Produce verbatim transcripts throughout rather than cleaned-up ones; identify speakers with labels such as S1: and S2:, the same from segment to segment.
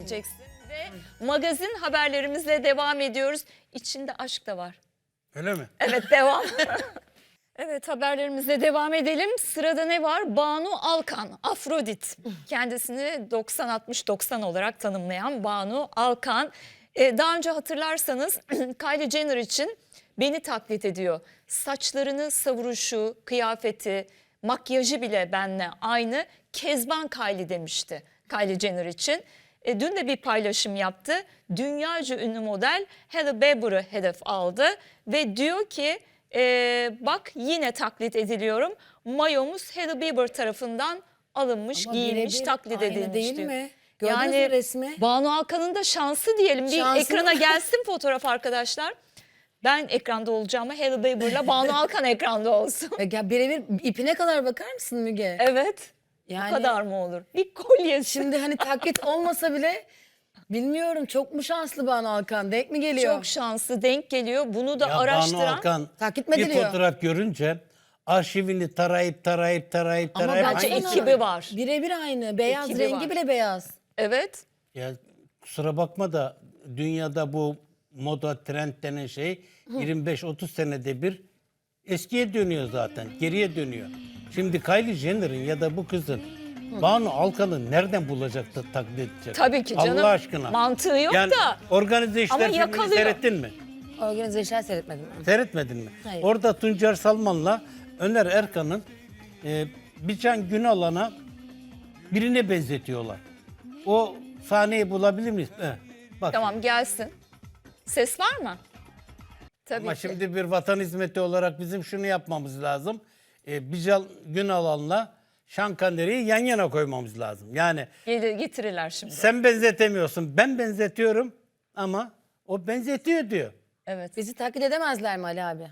S1: edeceksin. Ve magazin haberlerimizle devam ediyoruz. İçinde aşk da var.
S2: Öyle mi?
S1: Evet, devam. Evet, haberlerimizle devam edelim. Sırada ne var? Banu Alkan, Afrodit. Kendisini doksan altmış doksan olarak tanımlayan Banu Alkan. Ee, daha önce hatırlarsanız Kylie Jenner için beni taklit ediyor. Saçlarını savuruşu, kıyafeti, makyajı bile benimle aynı. Kezban Kylie demişti Kylie Jenner için. E, dün de bir paylaşım yaptı. Dünyaca ünlü model Hailey Bieber'ı hedef aldı ve diyor ki e, bak yine taklit ediliyorum. Mayomuz Hailey Bieber tarafından alınmış,
S3: Ama
S1: giyilmiş,
S3: birebir
S1: taklit
S3: aynı
S1: edilmiş
S3: değil
S1: diyor.
S3: mi? Gördünüz mü
S1: Yani
S3: resmi?
S1: Banu Alkan'ın da şansı diyelim. Bir
S3: Şansı
S1: ekrana
S3: mı?
S1: gelsin fotoğraf arkadaşlar. Ben ekranda olacağıma Hailey Bieber'la Banu Alkan ekranda olsun.
S3: Ya birebir ipine kadar bakar mısın Müge?
S1: Evet.
S3: Yani
S1: Bu kadar mı olur? Bir kolye.
S3: şimdi hani taklit olmasa bile bilmiyorum, çok mu şanslı Banu Alkan? Denk mi geliyor?
S1: Çok şanslı, denk geliyor. Bunu da
S2: Ya Banu
S1: araştıran.
S2: Alkan
S3: Taklit mi
S2: bir
S3: ediliyor?
S2: fotoğraf görünce arşivini tarayıp tarayıp tarayıp
S3: Ama
S2: tarayıp
S1: bence
S3: baksana,
S1: ekibi var.
S3: Birebir aynı. Beyaz,
S1: Ekibi
S3: rengi
S1: var.
S3: bile beyaz.
S1: Evet.
S2: Ya kusura bakma da dünyada bu moda trend denen şey yirmi beş otuz senede bir eskiye dönüyor zaten. Geriye dönüyor. Şimdi Kylie Jenner'ın ya da bu kızın Banu Alkan'ı nereden bulacak da taklit edecek?
S1: Tabii ki canım.
S2: Allah aşkına.
S1: Mantığı yok
S2: yani,
S1: da.
S2: Organize
S1: Ama
S2: işler filmini
S1: yakalıyor.
S2: seyrettin mi?
S3: Organize işler seyretmedim.
S2: Seyretmedin mi?
S3: Hayır.
S2: Orada Tuncer Salman'la Öner Erkan'ın e, Bircan Günalan'a birine benzetiyorlar. O sahneyi bulabilir miyiz? Eh, bak.
S1: Tamam, gelsin. Ses var mı? Tabii
S2: Ama
S1: ki.
S2: şimdi bir vatan hizmeti olarak bizim şunu yapmamız lazım. E, Bircan Günalan'la Şankanderi'yi yan yana koymamız lazım. Yani
S1: Gelir, getirirler şimdi.
S2: sen benzetemiyorsun, ben benzetiyorum ama o benzetiyor diyor.
S1: Evet.
S3: Bizi taklit edemezler mi Ali abi?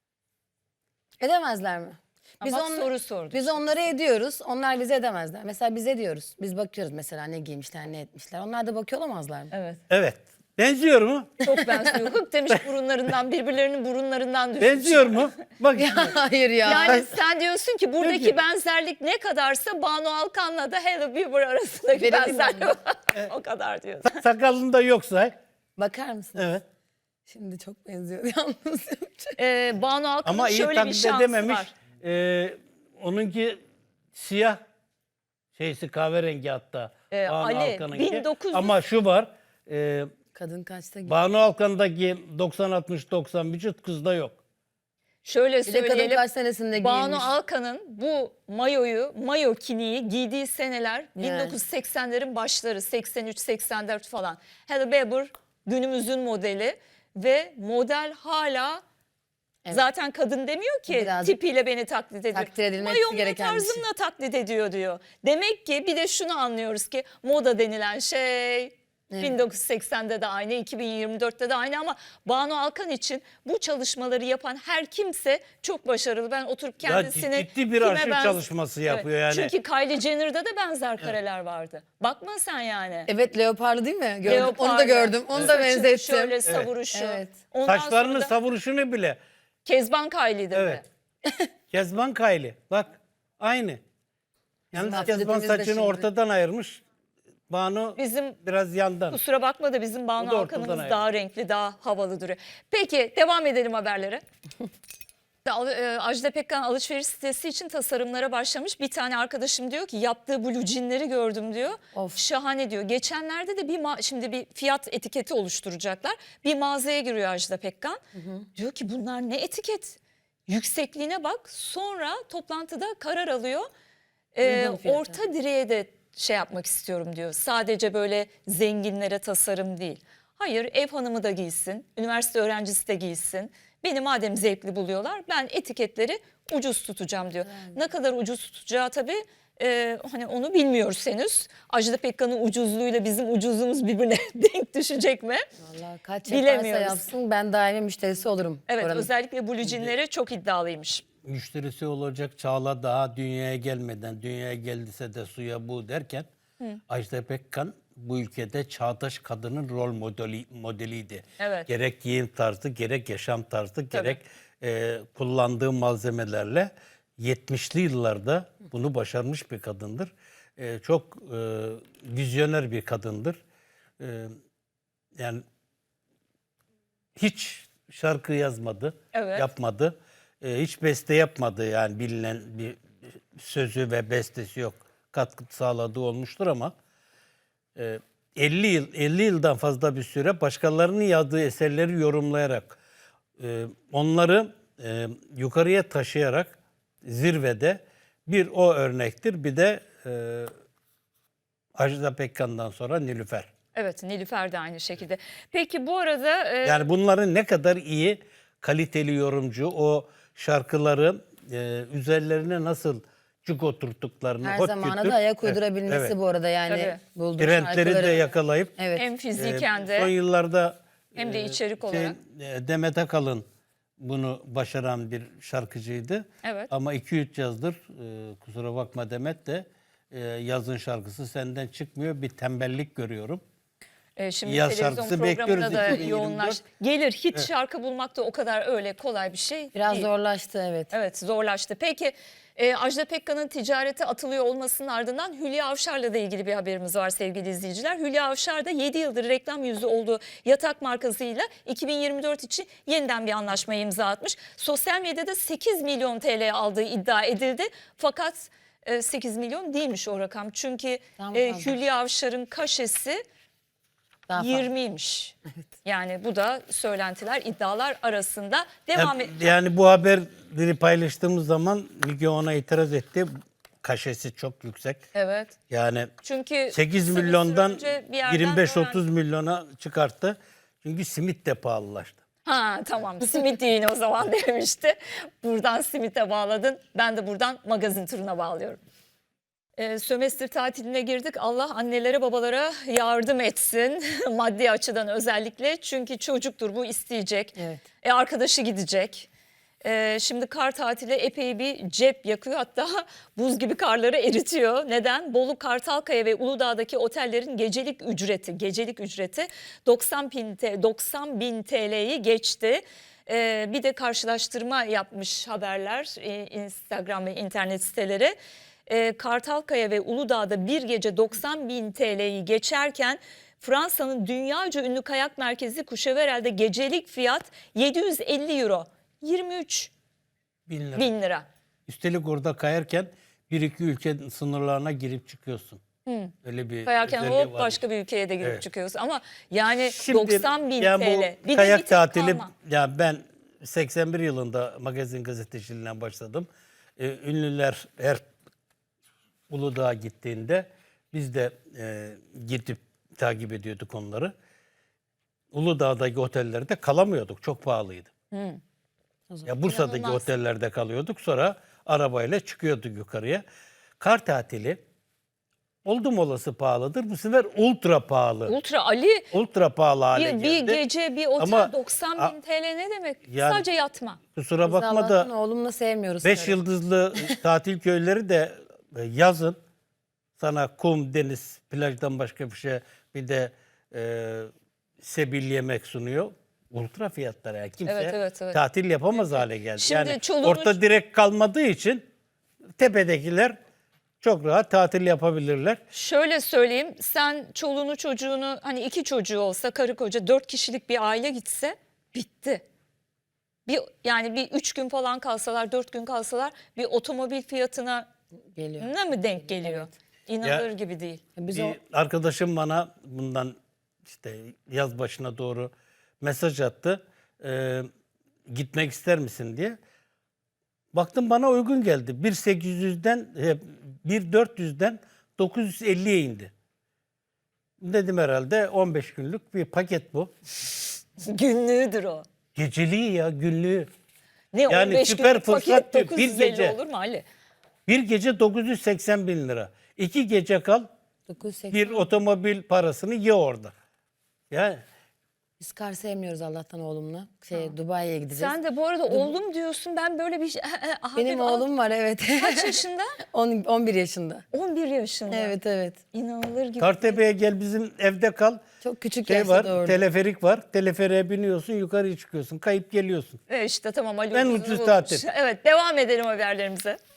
S3: Edemezler mi?
S1: Biz bak, soru sorduk
S3: Biz
S1: işte.
S3: onları ediyoruz. Onlar bizi edemezler. Mesela biz ediyoruz. Biz bakıyoruz mesela ne giymişler, ne etmişler. Onlar da bakıyor olamazlar mı?
S1: Evet.
S2: Evet. Benziyor mu?
S1: Çok benziyor. Hık demiş burunlarından, birbirlerinin burunlarından düşmüş.
S2: Benziyor mu? Bak şimdi.
S3: Hayır ya.
S1: Yani sen diyorsun ki buradaki
S2: Peki.
S1: benzerlik ne kadarsa Banu Alkan'la da Hailey Bieber arasındaki
S3: Verelim
S1: benzerlik
S3: mi?
S1: var. O kadar diyorsun.
S2: Sakalında yoksa.
S3: Bakar mısın?
S2: Evet.
S3: Şimdi çok benziyor yalnız.
S1: Ee, Banu Alkan'ın
S2: Ama iyi
S1: şöyle bir
S2: taklit
S1: şansı
S2: edememiş.
S1: var.
S2: Ee, onunki siyah şeysi kahverengi hatta.
S1: Ee,
S2: Banu
S1: Ali,
S2: Alkan'ınki.
S1: bin dokuz yüz
S2: Ama şu var. E,
S3: Kadın kaçta gidiyor?
S2: Banu Alkan'daki doksan altmış doksan vücut kızda yok.
S1: Şöyle
S3: Bir de kadın
S1: söyleyelim.
S3: kaç senesinde
S1: Banu
S3: giyinmiş?
S1: Alkan'ın bu mayoyu, mayo kiniği giydiği seneler
S3: Yani.
S1: bin dokuz yüz seksenlerin başları, seksen üç seksen dört falan. Hailey Bieber günümüzün modeli ve model hala
S3: Evet.
S1: zaten kadın demiyor ki
S3: Birazcık
S1: tipiyle beni taklit ediyor.
S3: takdir edilmesi
S1: Mayomla
S3: gereken bir şey.
S1: tarzımla taklit ediyor diyor. Demek ki bir de şunu anlıyoruz ki moda denilen şey bin dokuz yüz seksende de aynı, iki bin yirmi dörtte de aynı ama Banu Alkan için bu çalışmaları yapan her kimse çok başarılı. Ben oturup
S2: Ya
S1: kendisini
S2: ciddi bir
S1: kime
S2: arşiv
S1: benz-
S2: çalışması yapıyor yani.
S1: Çünkü Kylie Jenner'da da benzer kareler vardı. Bakma sen yani.
S3: Evet, leoparlı değil mi? Gördüm. Onu da
S1: Leopardı,
S3: gördüm. Onu da
S1: saçı
S3: benzettim.
S1: Şöyle savuruşu.
S3: Evet.
S1: Ondan
S2: Saçlarının
S1: sonra da
S2: savuruşunu bile.
S1: Kezban Kylie'de
S2: Evet. Kezban Kylie. Bak aynı. Yalnız Kezban
S3: atletimiz de
S2: saçını
S3: şimdi.
S2: ortadan ayırmış. Banu
S1: Bizim
S2: biraz yandan.
S1: kusura bakma da bizim
S2: O
S1: Banu
S2: da ortadan
S1: Alkan'ımız
S2: ayrı.
S1: daha renkli, daha havalı duruyor. Peki devam edelim haberlere. Al- e, Ajda Pekkan alışveriş sitesi için tasarımlara başlamış. Bir tane arkadaşım diyor ki yaptığı blue jeanleri gördüm diyor.
S3: Of.
S1: Şahane diyor. Geçenlerde de bir ma- şimdi bir fiyat etiketi oluşturacaklar. Bir mağazaya giriyor Ajda Pekkan. Diyor ki bunlar ne etiket? Yüksekliğine bak. Sonra toplantıda karar alıyor. Ee,
S3: Uygun fiyata.
S1: orta direğe de şey yapmak istiyorum diyor. Sadece böyle zenginlere tasarım değil. Hayır, ev hanımı da giysin, üniversite öğrencisi de giysin. Beni madem zevkli buluyorlar, ben etiketleri ucuz tutacağım diyor. Ne kadar ucuz tutacağı tabii e, hani onu bilmiyoruz henüz. Ajda Pekkan'ın ucuzluğuyla bizim ucuzluğumuz birbirine denk düşecek mi?
S3: Vallahi kaç yaparsa
S1: Bilemiyoruz.
S3: yapsın ben daimi müşterisi olurum.
S1: Evet,
S3: oranın.
S1: özellikle blue jeanleri çok iddialıymış.
S2: Müşterisi olacak Çağla daha dünyaya gelmeden, dünyaya geldiyse de suya bu derken Ajda Pekkan bu ülkede çağdaş kadının rol modeli modeliydi.
S1: Evet.
S2: Gerek giyim tarzı, gerek yaşam tarzı, gerek e, kullandığı malzemelerle yetmişli yıllarda bunu başarmış bir kadındır. E, çok e, vizyoner bir kadındır. e, yani hiç şarkı yazmadı,
S1: Evet.
S2: yapmadı. E, hiç beste yapmadı, yani bilinen bir sözü ve bestesi yok. Katkı sağladığı olmuştur ama e, elli yıl elli yıldan fazla bir süre başkalarının yazdığı eserleri yorumlayarak, e, onları e, yukarıya taşıyarak zirvede bir o örnektir. Bir de e, Ajda Pekkan'dan sonra Nilüfer.
S1: Evet, Nilüfer de aynı şekilde. Peki bu arada e,
S2: Yani bunların ne kadar iyi, kaliteli yorumcu, o şarkıları e, üzerlerine nasıl cuk oturttuklarını,
S3: Her
S2: ot
S3: zamana
S2: kütür-
S3: da ayak
S2: Evet,
S3: uydurabilmesi
S2: evet.
S3: bu arada yani.
S1: Tabii.
S3: Bulduğu
S2: Trendleri de
S3: şarkıları.
S2: yakalayıp
S3: Evet.
S1: hem
S2: e,
S1: fiziken de
S2: son yıllarda
S1: hem de
S2: e,
S1: içerik
S2: şey,
S1: olarak.
S2: e, Demet Akalın bunu başaran bir şarkıcıydı.
S1: Evet.
S2: Ama iki üç yazdır, e, kusura bakma Demet de, e, yazın şarkısı senden çıkmıyor, bir tembellik görüyorum.
S1: E, şimdi
S2: Yaz
S1: televizyon
S2: şarkısı
S1: programına
S2: bekliyoruz
S1: da
S2: iki bin yirmi dört.
S1: yoğunlaş. Gelir hit şarkı bulmak da o kadar öyle kolay bir şey
S3: Biraz
S1: değil.
S3: zorlaştı evet.
S1: Evet, zorlaştı. Peki e, Ajda Pekkan'ın ticarete atılıyor olmasının ardından Hülya Avşar'la da ilgili bir haberimiz var sevgili izleyiciler. Hülya Avşar da yedi yıldır reklam yüzü olduğu Yatak markasıyla iki bin yirmi dört için yeniden bir anlaşmaya imza atmış. Sosyal medyada sekiz milyon T L aldığı iddia edildi. Fakat e, sekiz milyon değilmiş o rakam. Çünkü
S3: Tam
S1: e,
S3: fazla.
S1: Hülya Avşar'ın kaşesi
S3: Daha fazla.
S1: yirmiymiş. Yani bu da söylentiler, iddialar arasında. Devam et.
S2: Yani, yani bu haberleri paylaştığımız zaman Müge ona itiraz etti. Kaşesi çok yüksek.
S1: Evet.
S2: Yani
S1: Çünkü
S2: sekiz
S1: kısa bir
S2: milyondan
S1: süre önce bir yerden
S2: yirmi beş otuz
S1: öğrendim.
S2: milyona çıkarttı. Çünkü simit de pahalılaştı.
S1: Ha tamam, simit yiyin o zaman demişti. Buradan simite bağladın. Ben de buradan magazin turuna bağlıyorum. Ee, sömestr tatiline girdik. Allah annelere babalara yardım etsin. Maddi açıdan özellikle. Çünkü çocuktur, bu isteyecek.
S3: Evet.
S1: E, arkadaşı gidecek. Ee, şimdi kar tatili epey bir cep yakıyor. Hatta buz gibi karları eritiyor. Neden? Bolu, Kartalkaya ve Uludağ'daki otellerin gecelik ücreti, gecelik ücreti doksan bin, doksan bin T L'yi geçti. Ee, bir de karşılaştırma yapmış haberler e, Instagram ve internet siteleri. Ee, Kartalkaya ve Uludağ'da bir gece doksan bin T L'yi geçerken Fransa'nın dünyaca ünlü kayak merkezi Courchevel'de gecelik fiyat yedi yüz elli euro. yirmi üç
S2: Bin lira.
S1: bin lira.
S2: Üstelik orada kayarken bir iki ülke sınırlarına girip çıkıyorsun. Öyle bir
S1: Kayarken
S2: özelliği
S1: hop
S2: varmış.
S1: başka bir ülkeye de girip
S2: Evet.
S1: çıkıyorsun. Ama yani
S2: Şimdi,
S1: doksan bin
S2: yani
S1: T
S2: bu
S1: L. Bir de
S2: kayak
S1: bir tek
S2: tatili,
S1: kalma.
S2: ya ben seksen bir yılında magazin gazeteciliğinden başladım. Ee, ünlüler her Uludağ'a gittiğinde biz de e, gidip takip ediyorduk onları. Uludağ'daki otellerde kalamıyorduk. Çok pahalıydı. Ya Bursa'daki
S1: İnanılmaz.
S2: otellerde kalıyorduk. Sonra arabayla çıkıyorduk yukarıya. Kar tatili oldum olası pahalıdır. Bu sefer ultra pahalı.
S1: Ultra Ali
S2: ultra pahalı hale
S1: bir, bir
S2: geldi.
S1: gece bir otel
S2: Ama-
S1: doksan
S2: A-
S1: bin T L ne demek?
S2: Yani-
S1: Sadece yatma.
S2: Kusura
S3: Biz
S2: bakma
S3: Allah'tan
S2: da
S3: oğlumla sevmiyoruz.
S2: beş
S3: karı.
S2: yıldızlı tatil köyleri de e, yazın sana kum, deniz, plajdan başka bir şey, bir de e, sebil yemek sunuyor. Ultra fiyatlar yani. Kimse
S1: Evet, evet, evet.
S2: tatil yapamaz hale geldi.
S1: Şimdi
S2: yani
S1: çoluğunu-
S2: orta direk kalmadığı için tepedekiler çok rahat tatil yapabilirler.
S1: Şöyle söyleyeyim, sen çoluğunu çocuğunu, hani iki çocuğu olsa, karı koca dört kişilik bir aile gitse bitti. Bir, yani bir üç gün falan kalsalar, dört gün kalsalar bir otomobil fiyatına
S3: Geliyor.
S1: ne mi denk geliyor? İnanılır
S2: Ya-
S1: gibi değil.
S3: Biz
S2: Bir
S3: o
S2: arkadaşım bana bundan işte yaz başına doğru mesaj attı. Ee, gitmek ister misin diye. Baktım bana uygun geldi. bin sekiz yüzden e, bin dört yüzden dokuz yüz elliye indi. Dedim herhalde on beş günlük bir paket bu.
S1: Günlüğüdür o.
S2: Geceliği ya, günlüğü.
S1: Ne
S2: Yani
S1: on beş
S2: süper
S1: günlük paket
S2: fırsat diyor, bir
S1: dokuz yüz elli
S2: gece.
S1: olur mu Ali?
S2: Bir gece dokuz yüz seksen bin lira. İki gece kal,
S3: dokuz yüz seksen.
S2: bir otomobil parasını ye orada. Ya
S3: Biz kar sevmiyoruz Allah'tan oğlumla. Şey Dubai'ye gideceğiz.
S1: Sen de bu arada oğlum diyorsun, ben böyle bir şey...
S3: Benim oğlum var evet.
S1: Kaç yaşında?
S3: on, on bir yaşında.
S1: on bir yaşında.
S3: Evet evet.
S1: İnanılır gibi.
S2: Kartepe'ye gel, bizim evde kal.
S3: Çok küçük
S2: Şey
S3: yaşta
S2: var,
S3: doğurdu.
S2: teleferik var. Teleferiğe biniyorsun, yukarıya çıkıyorsun. Kayıp geliyorsun.
S1: E işte tamam Ali
S2: En
S1: ucuzunu
S2: ucuz
S1: bulmuş.
S2: tatil.
S1: Evet, devam edelim haberlerimize.